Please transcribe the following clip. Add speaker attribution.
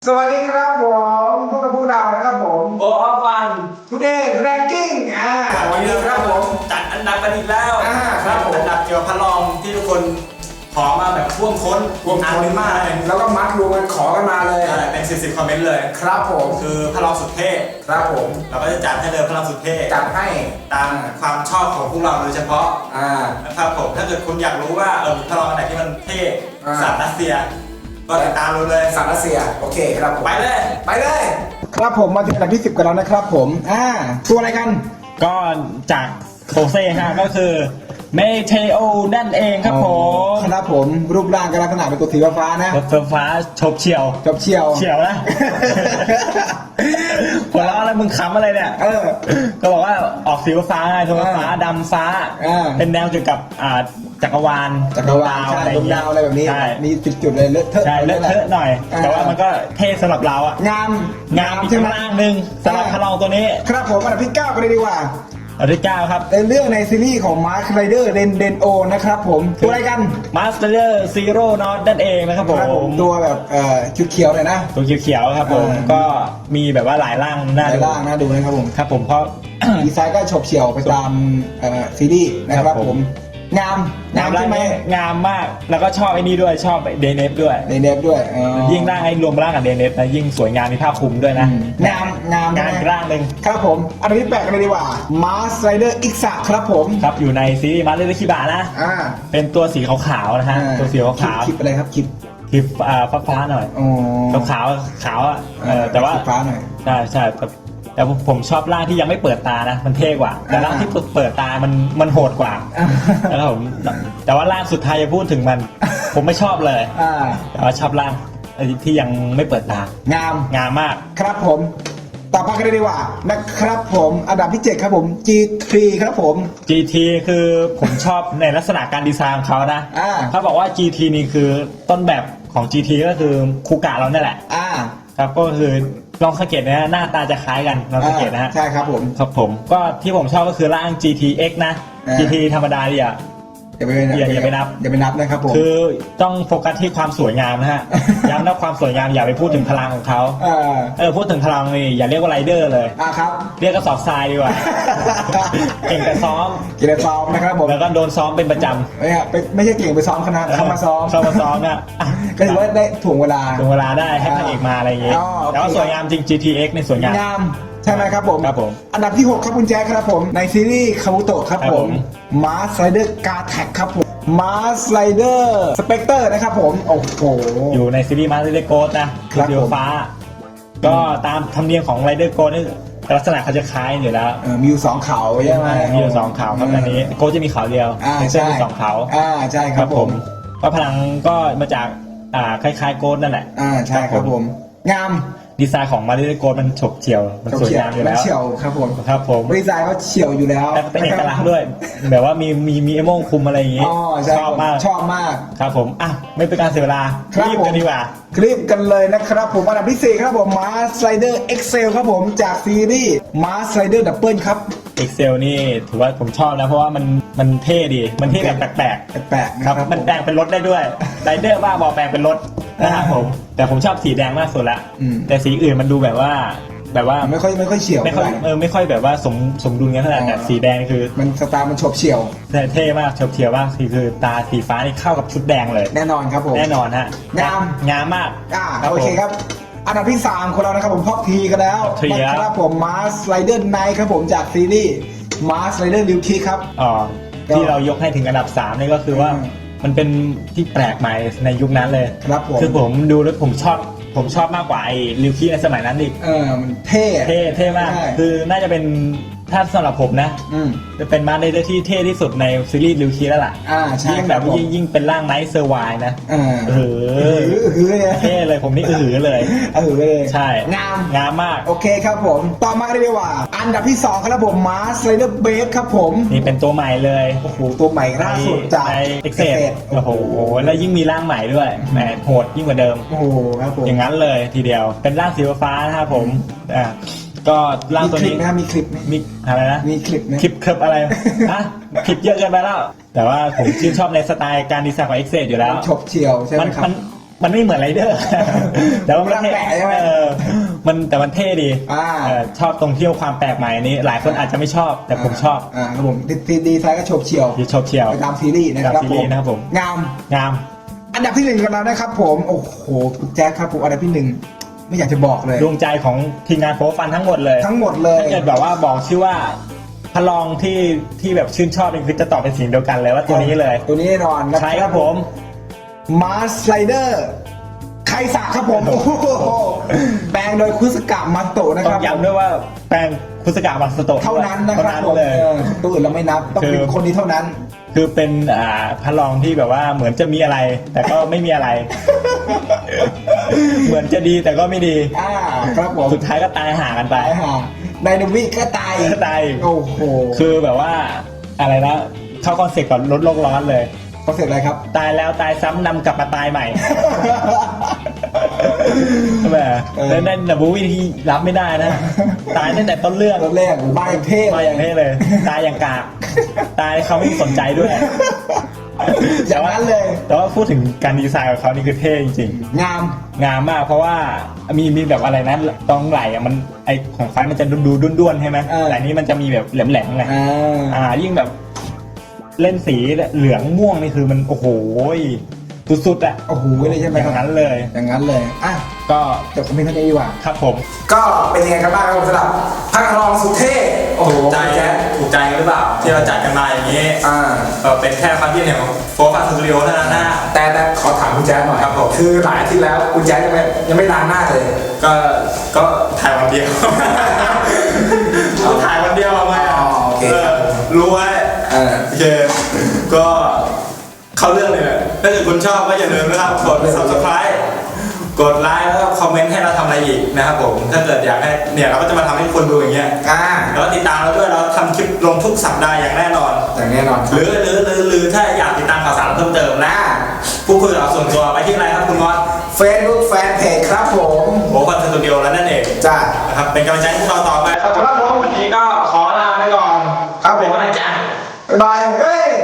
Speaker 1: สวัสดีครับผมพวกเรานะครับผม
Speaker 2: โอออฟวัน
Speaker 1: ทุเดย์แรงกิ้งวันนี้ครับผม
Speaker 2: จัดอันดับกันอีกแล้ว
Speaker 1: ครับผม
Speaker 2: อันดับเกี่ยวกับพระรองที่ทุกคนขอมาแบบท่วมท้น
Speaker 1: อ่านมากแล้วก็มัดรวมกันขอกันมาเลย
Speaker 2: เป็น10คอมเมนต์เลย
Speaker 1: ครับผม
Speaker 2: คือพระรองสุดเท่
Speaker 1: ครับผม
Speaker 2: เราก็จะจัดให้เลยพระรองสุดเท่
Speaker 1: จัดให้
Speaker 2: ตามความชอบของพวกเราโดยเฉพาะนะครับผมถ้าเกิดคุณอยากรู้ว่ามีพระรองอันไหนที่มันเท่สัตว์รัสเซียก็ติดตามรู้เลย
Speaker 1: สัตว์รัสเซียโอเคครับ
Speaker 2: ไปเลย
Speaker 1: ครับผมมาถึงอันดับที่10กันแล้วนะครับผมตัวอะไรกัน
Speaker 3: ก็จากโคเซ่ฮะก็คือเมเทโอนั่นเองครับผม
Speaker 1: ครับผมรูปร่างกับลักษณะเป็นตัวสีฟ้านะ
Speaker 3: รถฟ้าชบเฉียวนะหัวเราะอะไรมึงขำอะไรเนี่ยก็บอกว่าออกสีฟ้าไงสีฟ้าดำฟ้าเป็นแนวเกี่ยวกับจักรวาล
Speaker 1: ดวงดาวอะไรแบบนี้มีจุดเลยเลอะเทอะ
Speaker 3: ใช่เลอะเทอะหน่อยแต่ว่ามันก็เท่สำหรับเราอ่ะ
Speaker 1: งาม
Speaker 3: อีกข้างล่างนึงสำหรับพระรองตัวนี้
Speaker 1: ครับผมอันดับที่9กันเลยดีกว่า
Speaker 3: อันดับที่9ครับ
Speaker 1: ในเรื่องในซีรีส์ของมาร์คไรเดอร์เดนโอนะครับผมตัวอะไรกัน
Speaker 3: มาสเตอร์ซีโร่นอตนั่นเองนะครับผม
Speaker 1: ตัวแบบชุดเขียวเลยนะ
Speaker 3: ตัวเขียวครับผมก็มีแบบว่าหลายร่างน่า
Speaker 1: ดูนะครับผม
Speaker 3: ครับผมเพราะ
Speaker 1: ดีไซน์ก็ฉบเฉี่ยวไปตามซีรีส์นะครับผมงาม
Speaker 3: ใช่ไหมงามมากแล้วก็ชอบไอ้นี่ด้วยชอบเดเนฟด้วยยิ่งร่างไอ้รวมร่างกับเดเนฟนะยิ่งสวยงามมีภาพคลุมด้วยนะ
Speaker 1: งาม
Speaker 3: ร่างหนึ่ง
Speaker 1: ครับผมอันดับที่8กันเลยดีกว่ามาสไรเดอร์อิกซะครับผม
Speaker 3: ครับอยู่ในซีรีส์มาสไรเดอร์คิบะนะเป็นตัวสีขาวๆนะฮะตัวสีขาว
Speaker 1: คลิปอะไรครับคลิป
Speaker 3: ฟ้าหน่อยขาวอ่ะแต่ว่า
Speaker 1: ฟ้าหน่อย
Speaker 3: ใช่แต่ผมชอบร่างที่ยังไม่เปิดตานะมันเท่กว่าแต่ร่างที่เปิดตามันโหดกว่าแล้วผมแต่ว่าร่างสุดท้ายจะพูดถึงมันผมไม่ชอบเลยแต่ว่าชอบร่างที่ยังไม่เปิดตางามมาก
Speaker 1: ครับผมต่อไปกันเลยดีกว่านะครับผมอันดับที่7ครับผม G3 ครับผม
Speaker 3: GT คือผมชอบในลักษณะการดีไซน์ของเขานะเขาบอกว่า GT นี่คือต้นแบบของ GT ก็คือคูกะเราเนี่ยแหละครับก็คือลองสังเกตนะหน้าตาจะคล้ายกันลองสังเกตนะฮะ
Speaker 1: ใช่ครับผม
Speaker 3: ก็ที่ผมชอบก็คือร่าง GTX นะ GT ธรรมดาอย่าไปนับ
Speaker 1: นะครับผม
Speaker 3: คือต้องโฟกัสที่ความสวยงามนะฮะย้ำนะความสวยงามอย่าไปพูดถึงพลังของเขาพูดถึงพลังนี่อย่าเรียกว่าไรเดอร์เลย
Speaker 1: ครับ
Speaker 3: เรียกกระสอบทรายดีกว่าเก่งแต่ซ้อม
Speaker 1: นะครับผม
Speaker 3: แล้วก็โดนซ้อมเป็นประจำ
Speaker 1: ไม่ใช่เก่งไปซ้อมคณะเข้ามาซ้อม
Speaker 3: นะ
Speaker 1: ก็ถือว่าได้ถ่วงเวลา
Speaker 3: ได้ให้พระเอกมาอะไรอย่างเงี้ยแต่ว่าสวยงามจริง GTX ในสวยงาม
Speaker 1: ใช่ไหมครับผมอันดับที่6ครับคุณแจ๊คครับผมในซีรีส์คาบุโตะครับผมมาสไรเดอร์กาแท็กครับผมมาสไรเดอร์สเปกเตอร์นะครับผมโอ้โห
Speaker 3: อยู่ในซีรีส์มาสไรเดอร์โกดนะสีฟ้าก็ตามธรรมเนียมของไรเดอร์โกดนี่ลักษณะเขาจะคล้ายอยู่แล้ว
Speaker 1: มีอยู่2เขาใช่ไหม
Speaker 3: มีอยู่2เขาครับอันนี้โกดจะมีเขาเดียว
Speaker 1: ใช่
Speaker 3: 2เขา
Speaker 1: ใช่ครับผม
Speaker 3: ก็พลังก็มาจากคล้ายๆโกดนั่นแหละ
Speaker 1: ใช่ครับผมงาม
Speaker 3: ดีไซน์ของมาริโอโกมันฉบเฉี่ยวมันสวยงามอยู่แล้ว
Speaker 1: เฉี่ยวครับผมดีไซน์เขาเฉี่ยวอยู่แล้ว
Speaker 3: แต่เป็นเอกลักษณ์ด้วยแบบว่ามีเอโม่งคุมอะไรอย่างงี้ชอบมากครับผมไม่เป็นการเสียเวลารีบกันดีกว่า
Speaker 1: คลิปกันเลยนะครับผมอันดับที่4ครับผมมาสไลเดอร์เอ็กเซลครับผมจากซีรีส์มาสไลเดอร์ดับเบิลครับ
Speaker 3: Excel นี่ถือว่าผมชอบนะเพราะว่ามันเท่ดีมันเท่แบบแปลก
Speaker 1: ครับ
Speaker 3: มันแปลงเป็นรถได้ด้วยไรเดอร์ว่าบอแปลงเป็นรถนะครับผมแต่ผมชอบสีแดงมากสุดละแต่สีอื่นมันดูแบบว่า
Speaker 1: ไม่ค่อยเฉียว
Speaker 3: ไม่ค่อยแบบว่าสมดุลกันเท่าไหร่แต่สีแดงคือ
Speaker 1: มันสไตล์มันฉบเฉี่ยว
Speaker 3: เท่มากฉบเฉี่ยวมากคือตาสีฟ้านี่เข้ากับชุดแดงเลย
Speaker 1: แน่นอนครับผม
Speaker 3: แน่นอนฮะงามมาก
Speaker 1: โอเคครับอันดับที่3ของเรานะครับผมท็อปทีกันแล้วนะครับผมมาสไลเดอร์ไนท์ครับผมจากซีรีส์มาสไลเดอร์ลิวคีครับ
Speaker 3: ที่เรายกให้ถึงอันดับ3นี่ก็คือว่ามันเป็นที่แปลกใหม่ในยุคนั้นเลย
Speaker 1: ครับผม
Speaker 3: คือผมดูแล้วผมชอบมากกว่าไอ้ลิวคีในสมัยนั้นอีก
Speaker 1: มันเท่
Speaker 3: มากคือน่าจะเป็นถ้าสำหรับผมนะจะเป็นมาในเรื่องที่เท่ที่สุดในซีรีส์ลิวคีแล้วล่ะยิ่งแบบยิ่งเป็นร่างไนท์เซอร์ไวนะเท่เลยผมนี่เลยใช่งามมาก
Speaker 1: โอเคครับผมต่อมากันเลยว่าอันดับที่2ครับผมมาสไลเดอร์เบสครับผม
Speaker 3: นี่เป็นตัวใหม่เลย
Speaker 1: โอ้โหตัวใหม่ล่าสุดจาก
Speaker 3: เอ็กเซดโอ้โหแล้วยิ่งมีร่างใหม่ด้วยแหมโหดยิ่งกว่าเดิม
Speaker 1: โอ้โหครับผม
Speaker 3: อย่างนั้นเลยทีเดียวเป็นร่างสีฟ้านะครับผมก็ร่างตัวนี้
Speaker 1: มีคลิป
Speaker 3: มีอะไรนะ
Speaker 1: มีคลิป
Speaker 3: คลิปอะไรคลิปเยอะเกินไปแล้วแต่ว่าผมชื่นชอบในสไตล์การดีไซน์ของ Excel อยู่แล้ว
Speaker 1: ฉบเฉี่ยวใช่ไหมครับ
Speaker 3: มันไม่เหมือนไรเดอร์ แต่ว่ามันเท่
Speaker 1: แปลกใช่ไหม
Speaker 3: แต่มันเท่ดี ชอบตรงที่ความแปลกใหม่นี้ หลายคนอาจจะไม่ชอบแต่ผมชอบ
Speaker 1: ครับผมดีไซน์ก็โฉบเฉี่ยว
Speaker 3: ชอบเชียว
Speaker 1: ไปตามซีรีส์นะครับ
Speaker 3: ตามซีรีส์นะครับผม
Speaker 1: งาม
Speaker 3: งาม
Speaker 1: อันดับที่หนึ่งกันแล้วนะครับผมโอ้โหคุณแจ็คครับผมอันดับที่หนึ่งไม่อยากจะบอกเลย
Speaker 3: ดวงใจของทีมงานโฟร์ฟันทั้งหมดเลย
Speaker 1: ทั้งหมดเลย
Speaker 3: ถ้าเกิดแบบว่าบอกชื่อว่าพลองที่แบบชื่นชอบนี่คือจะตอบเป็นเสียงเดียวกันเลยว่าตัวนี้เลย
Speaker 1: ตัวนี้แน่นอนนะ
Speaker 3: ใช่ครับผม
Speaker 1: มาสไลเดอร์ไคสะครับผมโอ้โหแปลงโดยคุสกะมาโตะนะ
Speaker 3: ต้
Speaker 1: ค
Speaker 3: อ
Speaker 1: รั
Speaker 3: ง
Speaker 1: บ
Speaker 3: ย้ำด้วยว่าแปลงคุสกะมาสโตะ
Speaker 1: เท่านั้นนะ
Speaker 3: เท่า
Speaker 1: ครับ
Speaker 3: นั้น
Speaker 1: ผม
Speaker 3: เลย
Speaker 1: ตัวอื่นเราไม่นับต้องเป็นคนนี้เท่านั้น
Speaker 3: คือเป็นพลองที่แบบว่าเหมือนจะมีอะไร แต่ก็ไม่มีอะไร เหมือนจะดีแต่ก็ไม่ดี
Speaker 1: ครับผม
Speaker 3: สุดท้ายก็ตายห่างกันไป
Speaker 1: ตายห่าไดนามิกก็ตาย
Speaker 3: ก็ตาย
Speaker 1: โอ้โห
Speaker 3: คือแบบว่าอะไรนะเข้าคอนเซ็ปต์ก่อนลดโลกร้อนเลย
Speaker 1: เขาเสร็จอะไรครับ
Speaker 3: ตายแล้วตายซ้ำนำกลับมาตายใหม่ ใช่ไหมแล้วนั่นนะบูวี่ที่รับไม่ได้นะ ตายตั้งแต่ต้นเรื่อง
Speaker 1: ตอนแรกบ้าอย่างเท่
Speaker 3: มาอย่างเท่เลย ตายอย่างกากตายเขาไม่สนใจด้วย
Speaker 1: อย่างนั้นเลย
Speaker 3: แต่ว่าพูดถึงการดีไซน์ของเขานี่คือเท่จริง
Speaker 1: งาม
Speaker 3: ๆงามมากเพราะว่ามีแบบอะไรนะตรงไหล่อะมันไอของไฟมันจะดูด้วนๆใช่ไหมแต่อันนี้มันจะมีแบบแหลมๆไงยิ่งแบบเล่นสีเหลืองม่วงนี่คือมันโอ้โหสุดๆอะ
Speaker 1: โอ้โหเลยใช่ไหม
Speaker 3: อ
Speaker 1: ครั
Speaker 3: ย่า
Speaker 1: บ
Speaker 3: งนั้นเลย
Speaker 1: อย่างนั้นเลยอ่ะ
Speaker 3: ก็
Speaker 1: จบคอมเมนต์เท่านี้ดีกว่า
Speaker 3: ครับผม
Speaker 1: ก็เป็นยังไงกันบ้างครับผมสำหรับพักรองสุดเท่โอ้โห
Speaker 2: ถูกใจ
Speaker 1: แจ๊ค
Speaker 2: ถูกใจกันหรือเปล่าที่เราจัดกันมาอย่างนี้ เป็นแค่ความคิดเห็นของโฟร์ฟันสตูดิโอเท่านั้นนะ
Speaker 1: แต่ขอถามคุณแจ๊คหน่อย
Speaker 2: ครับผม
Speaker 1: คือหลายอาทิตย์แล้วคุณแจ๊คยังไม่ล้างหน้าเลย
Speaker 2: ก็ถ่ายวันเดียวเราถ่ายวันเดียวเอาไง
Speaker 1: โอเคครับ
Speaker 2: รู้ไว้ โอเคก็เข้าเรื่องเลยถ้าเกิดคุณชอบก็อย่าลืมนะครับกด subscribe กดไลค์แล้วก็คอมเมนต์ให้เราทำอะไรอีกนะครับผมถ้าเกิดอยากให้เนี่ยเราก็จะมาทำให้คนดูอย่างเงี้ยแล้วติดตามเราด้วยเราทำคลิปลงทุกสัปดาห์อย่างแน่นอน
Speaker 1: อย่างแน่นอนค
Speaker 2: ห
Speaker 1: รับ
Speaker 2: รือถ้าอยากติดตามข่าวสารเพิ่มเติมนะพูดคุยกับเราส่วนตัวไปที่อะไรครับคุณมอส
Speaker 1: Facebook Fanpage ครับผม
Speaker 2: โอ้ฟันสตูดิโอแล้วนั่นเอง
Speaker 1: จ้า
Speaker 2: นะครับเป็นกำลังใจให้พวกเราต่อไปครับผมวันนี้ก็ขอลาไปก่อน
Speaker 1: ครับผม
Speaker 2: บ๊ายบายจ้า
Speaker 1: บายเฮ้ย